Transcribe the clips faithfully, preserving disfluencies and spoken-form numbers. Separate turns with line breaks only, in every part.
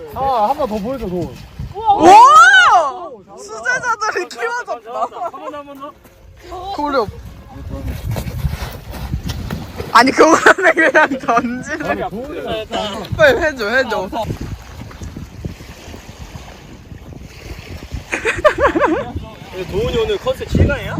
아, 한 번 더 보여줘, 너.
오! 수제자들이 키워졌다.
한 번 더, 한 번 더.
고려. 아니 그거는 그냥 던지는. 빨리 해줘 해줘.
도훈이 오늘 컨셉 실강이야?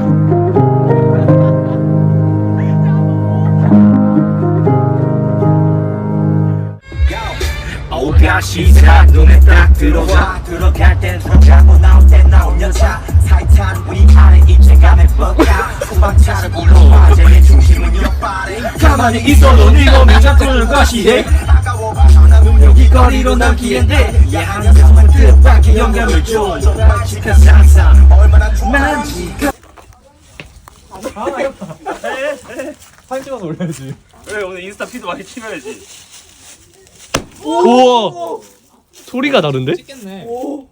오가 시작 눈에 딱 들어와 들어갈 땐 들어가고 나올 땐 나오면 차 타이탄 위아래 입체감에 뻑가 후방차를 불러와 제 중심은 옆발에 가만히 있어도 네 몸이 자꾸를 과시해 여기 거리로 남기는데 예하는 정말 뜻밖의 영감을 줘 정확한 상상 얼마나 난지가
사진 찍어서 올려야지.
그래 오늘 인스타 피드 많이 찍어야지.
우와 소리가 다른데?
찍겠네.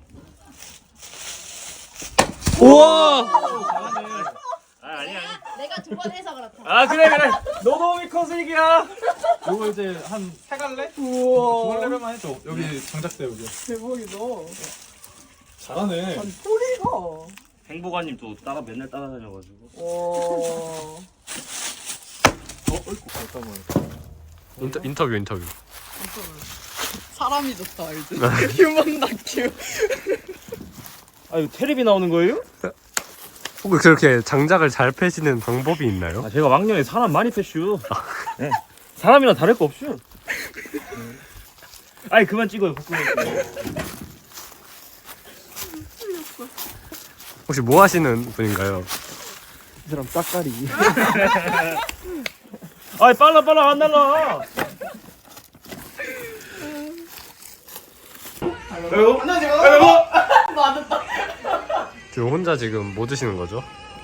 우와
아 아니야.
내가 두 번 해서 그렇다.
아 그래 그래. 노동이 컨셉이야.
이거 이제 한 세 갈래? 우와. 두 갈래만 해줘. 여기 장작대 여기.
대박이다.
잘하네.
소리가.
행복아님 또 따라 맨날 따라다녀가지고.
와.
어, 어이구, 잠깐만.
인터, 인터뷰 인터뷰
사람이 좋다 알지? 휴먼 다큐.
아 이거 테레비 나오는 거예요?
혹시 그렇게 장작을 잘 패시는 방법이 있나요?
아 제가 왕년에 사람 많이 패슈. 네. 사람이랑 다를 거 없슈. 아니 그만 찍어요. 복근을.
혹시 뭐 하시는 분인가요?
이 사람 딱가리.
아이 빨라 빨라 안 날라. 아이고 아이고.
지금 혼자 지금 뭐 드시는 거죠?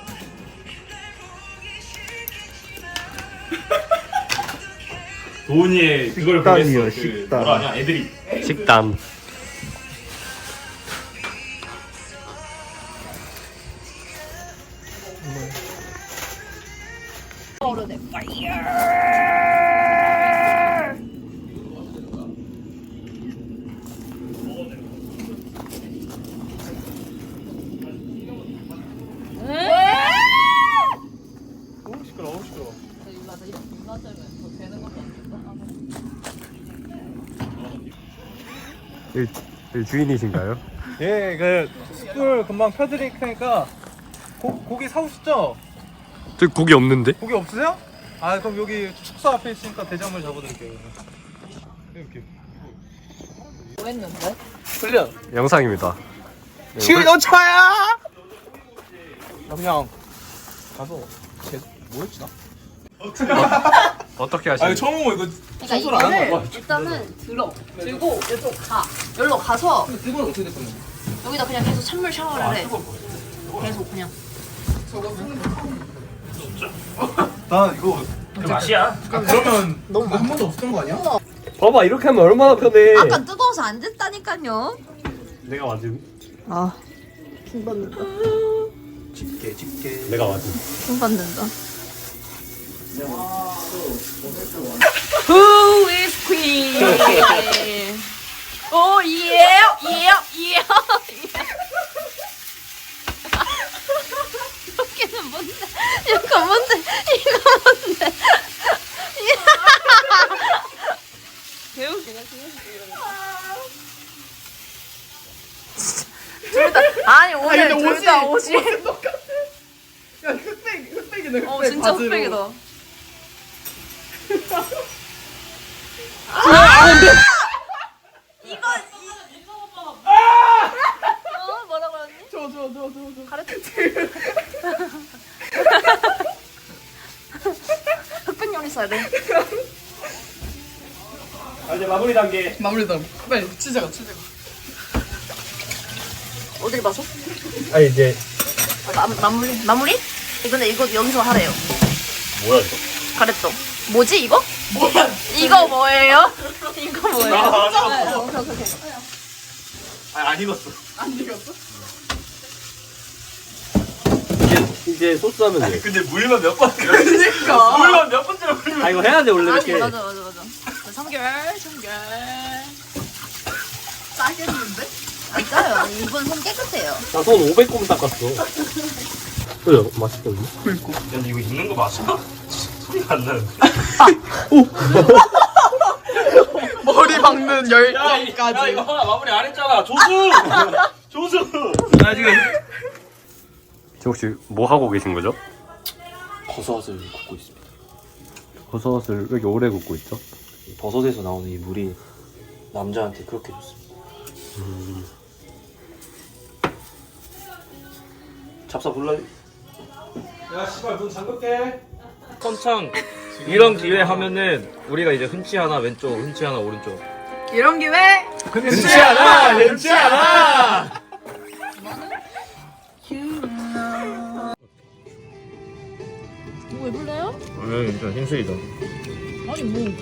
도훈이의 그걸 보냈어. 그 뭐라 하냐 애들이.
식단
오르네.
너무 시끄러워, 너무 시끄러워.
여기, 여기 주인이신가요?
예, 그 숯불 금방 펴드릴 테니까 고, 고기 사오시죠?
저기 고기 없는데?
고기 없으세요? 아, 그럼 여기 축소 앞에 있으니까 대장물 잡아드릴게요. 이렇게.
뭐 했는데?
훈련.
영상입니다. 네,
지금 너 차야? 나 그냥 가서 쟤 뭐였지 나?
어떻게 하시는
처음 보고 이거
그러니까
청소를 안 하는
이거를 일단은 들어. 들고 이쪽 가. 여기로 가서
이건 어떻게 됐었나?
여기다 그냥 계속 찬물 샤워를 해. 계속 그냥.
나 이거
그 맛이야.
아, 그러면 너무 한 번도 없었던 거 아니야?
봐봐 이렇게 하면 얼마나 편해.
아까 뜨거워서 안 됐다니까요.
내가 맞음.
아. 킹 받는다.
집게 집게.
내가 맞음.
돈 받는다. Who is queen? 오 예, 예, 예. 여기는 뭔데? 이거 뭔데? 이거 뭔데? 배우기나 둘다 아니 오늘 둘 다 옷이
야 흑백 흑백이네.
어 진짜 흑백이다. 이거 어 뭐라고 했니?
저저저저
가르쳐. 흑백 요리 써야 돼.
아 이제 마무리 단계.
마무리다. 빨리 치즈가 치즈가.
어딜 봐서?
아 이제
마, 마무리 마무리? 근데 이거 여기서 하래요.
뭐야 이거?
가르쳐. 뭐지 이거? 뭐야? 이거 뭐예요? 이거 뭐예요?
아, 안 익었어.
네, 오케이 오케이 오케이.
아, 안 익었어.
안 익었어?
이제 이제 소스 하면 돼.
근데 물만 몇 번.
그러니까.
물만 몇 번째로 물면.
아 이거 해야 돼 원래
아니
이렇게.
맞아 맞아 맞아. 삼 개월 삼 개월.
싸겠는데?
안 짜요. 이분 손 깨끗해요.
나 손 오백 곰 닦았어. 그래, 맛있거든요?
야, 이거 있는 거 맞아? 소리가 안 나는데.
머리 박는
야,
열정까지.
이거 하나 마무리 안 했잖아. 조수! 조수! 나 지금.
지금 혹시 뭐 하고 계신 거죠?
버섯을 굽고 있습니다.
버섯을 왜 이렇게 오래 굽고 있죠?
이 버섯에서 나오는 이 물이 남자한테 그렇게 좋습니다.
음.
잡사 불러요?
야 씨발 문 잠글게.
선창 이런 기회 하면은 우리가 이제 흔치 하나 왼쪽, 흔치 하나 오른쪽.
이런 기회
흔치 하나, 흔치 하나.
뭐 해볼래요?
오늘 좀 힘쓰이다.
아니 뭐.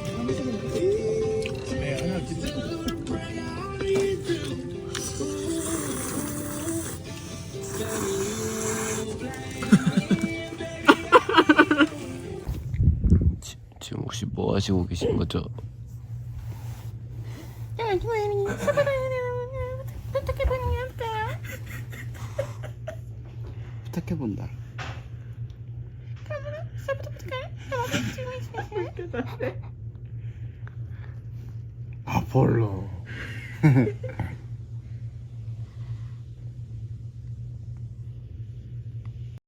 지금 혹시 뭐 하시고 계신 거죠?
부탁해본다. 아폴로.